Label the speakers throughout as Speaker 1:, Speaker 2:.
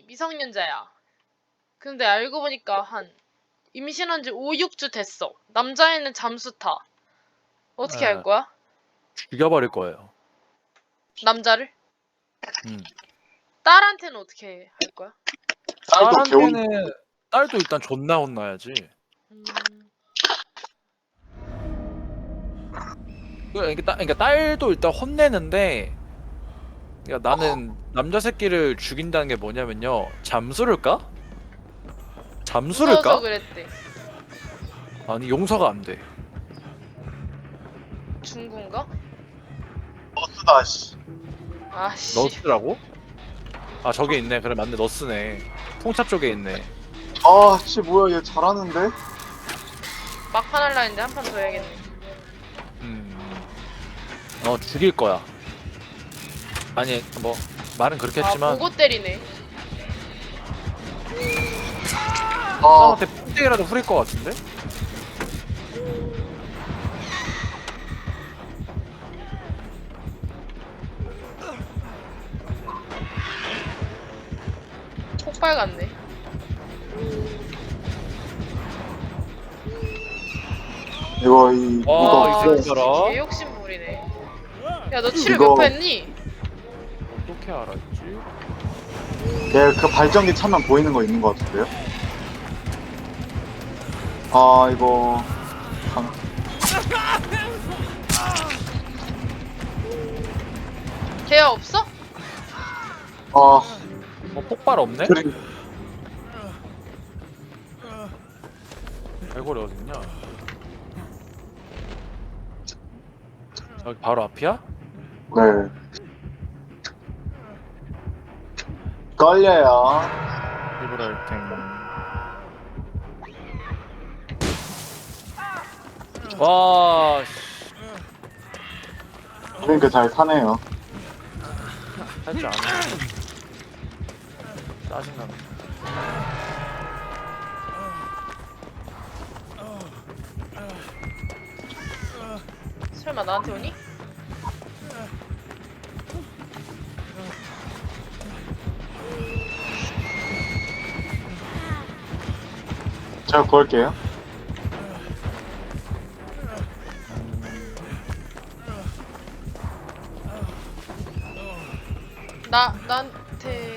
Speaker 1: 미성년자야. 근데 알고 보니까 한 임신한 지 5, 6주 됐어. 남자애는 잠수 타. 어떻게 할
Speaker 2: 예,
Speaker 1: 거야?
Speaker 2: 죽여버릴 거예요.
Speaker 1: 남자를?
Speaker 2: 음.
Speaker 1: 딸한테는 어떻게 할 거야?
Speaker 3: 딸도 개운.
Speaker 2: 딸한테는 딸도 일단 존나 혼나야지.
Speaker 1: 음,
Speaker 2: 그러니까 딸도 일단 혼내는데, 그러니까 나는 남자 새끼를 죽인다는 게 뭐냐면요. 잠수를 까? 잠수를
Speaker 1: 무서워서
Speaker 2: 까?
Speaker 1: 그랬대.
Speaker 2: 아니 용서가 안 돼.
Speaker 1: 중국인가?
Speaker 3: 너스다 씨.
Speaker 1: 아씨.
Speaker 2: 너스라고? 아 저기 있네. 그래 맞네. 너스네. 통차 쪽에 있네.
Speaker 3: 아, 씨 뭐야 얘 잘하는데?
Speaker 1: 막판 할라 했는데 한 판 더 해야겠네.
Speaker 2: 죽일 거야. 아니 뭐 말은 그렇게
Speaker 1: 아,
Speaker 2: 했지만
Speaker 1: 보고 때리네.
Speaker 3: 아,
Speaker 2: 사람한테 punk대기라도 후릴 것 같은데?
Speaker 1: 폭발 같네.
Speaker 3: 이거 이
Speaker 2: 와,
Speaker 3: 이거
Speaker 2: 이 새끼 봐라.
Speaker 1: 개 욕심 부리네. 야, 너 치료
Speaker 3: 이거-
Speaker 1: 몇 번 했니?
Speaker 2: 어떻게 알았지?
Speaker 3: 내그 발전기 차면 보이는 거 있는 거 같은데요? 아 이거
Speaker 1: 걔야 없어?
Speaker 3: 아
Speaker 2: 폭발 없네?
Speaker 3: 그래
Speaker 2: 갈고리 어딨냐? 여기 바로 앞이야?
Speaker 3: 네 걸려요.
Speaker 2: 리브랄탱. 와, 씨.
Speaker 3: 그러니까 잘 사네요.
Speaker 2: 할줄 아네. 짜증나네.
Speaker 1: 설마 나한테 오니?
Speaker 3: 제가 구할게요.
Speaker 1: 나한테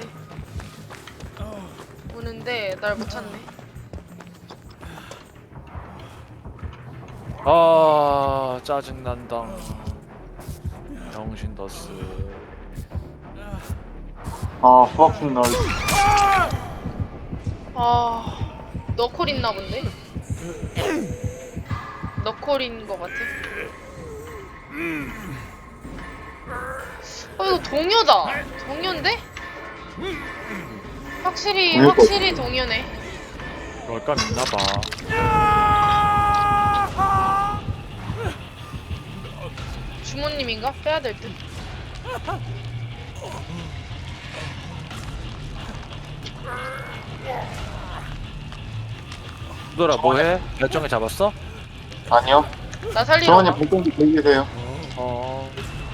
Speaker 1: 오는데 날 못 찾네.
Speaker 2: 아, 짜증난다. 병신 더스.
Speaker 3: 아 fucking 널.
Speaker 1: 아, 너콜 있나 본데? 너콜인 것 같아. 이거 동요다. 동요인데? 확실히 동요네.
Speaker 2: 그럴까 있나봐.
Speaker 1: 주모님인가? 빼야 될 듯.
Speaker 2: 누더라 뭐해? 결정을 잡았어?
Speaker 3: 아니요.
Speaker 1: 나 살리러
Speaker 3: 정원이
Speaker 1: 가.
Speaker 3: 발전기 대기 계세요.
Speaker 2: 어.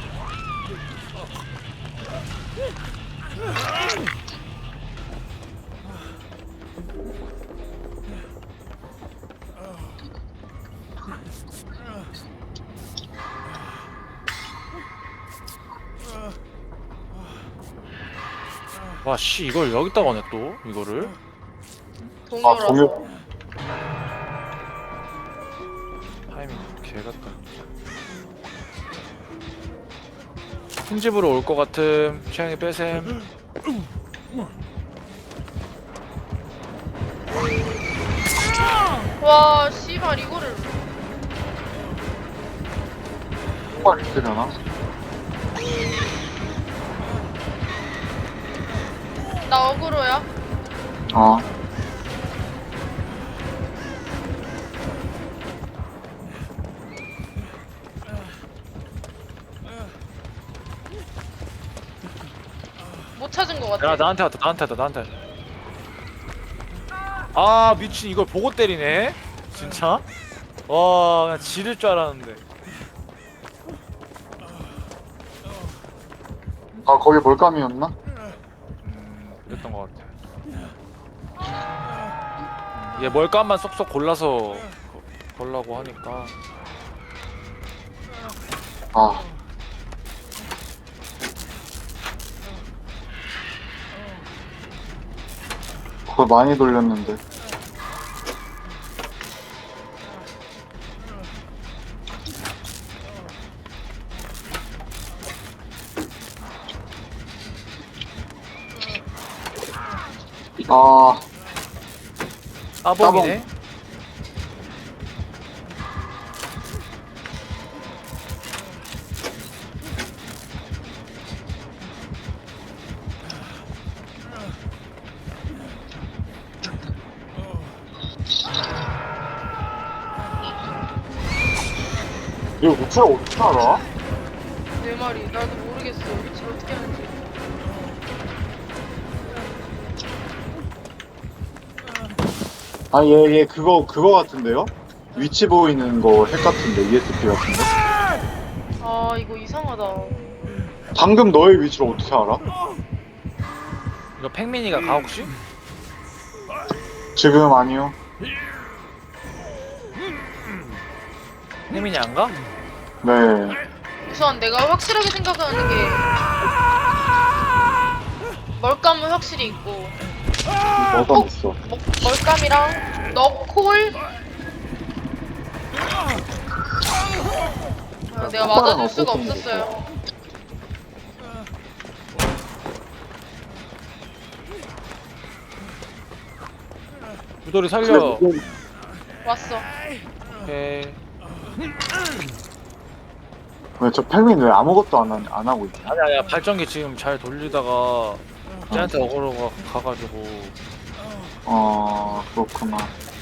Speaker 2: 와, 씨, 이걸 여기다가 네 또? 이거를?
Speaker 3: 아
Speaker 1: 동요라서.
Speaker 3: 동요.
Speaker 2: 타이밍 개같다. 큰 집으로 올 것 같음. 취향이 빼셈.
Speaker 1: 와, 씨발 이거를.
Speaker 3: 폭발 있으려나?
Speaker 1: 나 어그로야.
Speaker 3: 아
Speaker 1: 못 찾은 것 같아.
Speaker 2: 야, 나한테 왔다. 나한테. 아, 미친, 이걸 보고 때리네? 진짜? 와, 그냥 지를 줄 알았는데.
Speaker 3: 아 거기 몰감이었나?
Speaker 2: 그랬던 것 같아. 얘 멀감만 쏙쏙 골라서 걸라고 하니까.
Speaker 3: 아. 그걸 많이 돌렸는데. 아,
Speaker 2: 따봉이네.
Speaker 3: 이거 위치를 어떻게 알아?
Speaker 1: 내 말이 나도 모르겠어. 위치를 어떻게 하는지.
Speaker 3: 아, 얘 그거 같은데요? 위치 보이는 거 핵 같은데, ESP 같은데?
Speaker 1: 아 이거 이상하다.
Speaker 3: 방금 너의 위치를 어떻게 알아?
Speaker 2: 이거 팽민이가 가 혹시?
Speaker 3: 지금 아니요.
Speaker 2: 팽민이 안 가?
Speaker 3: 네.
Speaker 1: 우선 내가 확실하게 생각하는 게 멀감은 확실히 있고
Speaker 3: 뭐가 있어.
Speaker 1: 멀감이랑 너콜 내가 맞아줄 수가 없었어요.
Speaker 2: 유돌이 살려.
Speaker 1: 왔어.
Speaker 2: 오케이.
Speaker 3: 왜 저 펠민 왜 아무것도 안 하고 있지?
Speaker 2: 아니야 발전기 지금 잘 돌리다가 쟤한테 어그로가 가가지고.
Speaker 3: 그렇구나.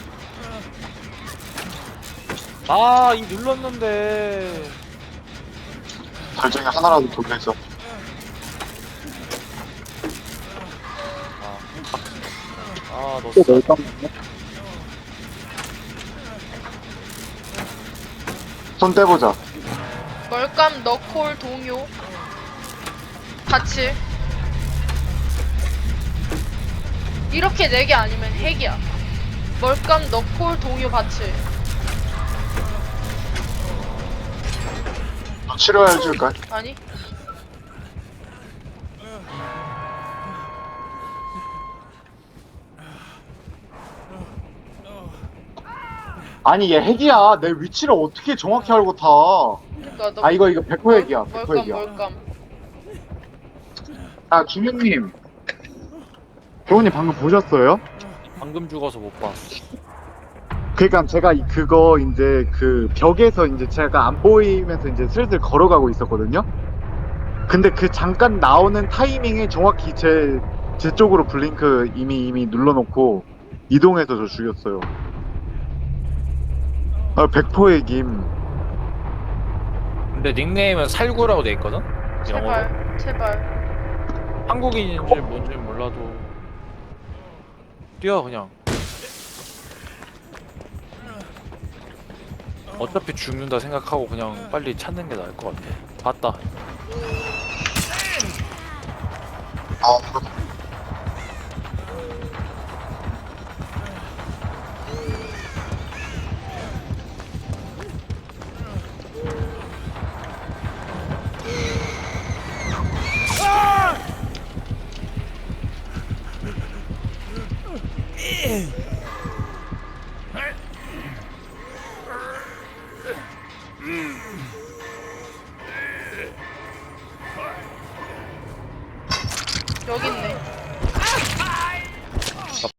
Speaker 2: 아, 이 눌렀는데.
Speaker 3: 발전기 하나라도 돌려줘.
Speaker 2: 너
Speaker 3: 손 떼보자.
Speaker 1: 멀감 너콜 동요 같이 이렇게 4개 아니면 핵이야. 멀감 너콜 동요 바칠.
Speaker 3: 너 치료해줄까?
Speaker 1: 아니
Speaker 3: 아니 얘 핵이야. 내 위치를 어떻게 정확히 알고 타?
Speaker 1: 그니까 너
Speaker 3: 아 이거 100% 핵이야. 100%
Speaker 1: 멀감
Speaker 3: 핵이야.
Speaker 1: 멀감
Speaker 3: 아 주민님. 교훈이 방금 보셨어요?
Speaker 2: 방금 죽어서 못 봤어.
Speaker 3: 그러니까 제가 그거 이제 그 벽에서 이제 제가 안 보이면서 이제 슬슬 걸어가고 있었거든요. 근데 그 잠깐 나오는 타이밍에 정확히 제 쪽으로 블링크 이미 눌러놓고 이동해서 저 죽였어요. 100% 핵임.
Speaker 2: 근데 닉네임은 살구라고 돼 있거든. 영어로.
Speaker 1: 제발
Speaker 2: 한국인인지 뭔지 몰라도 뛰어 그냥. 어차피 죽는다 생각하고 그냥 빨리 찾는 게 나을 것 같아. 봤다.
Speaker 1: 여기 있네.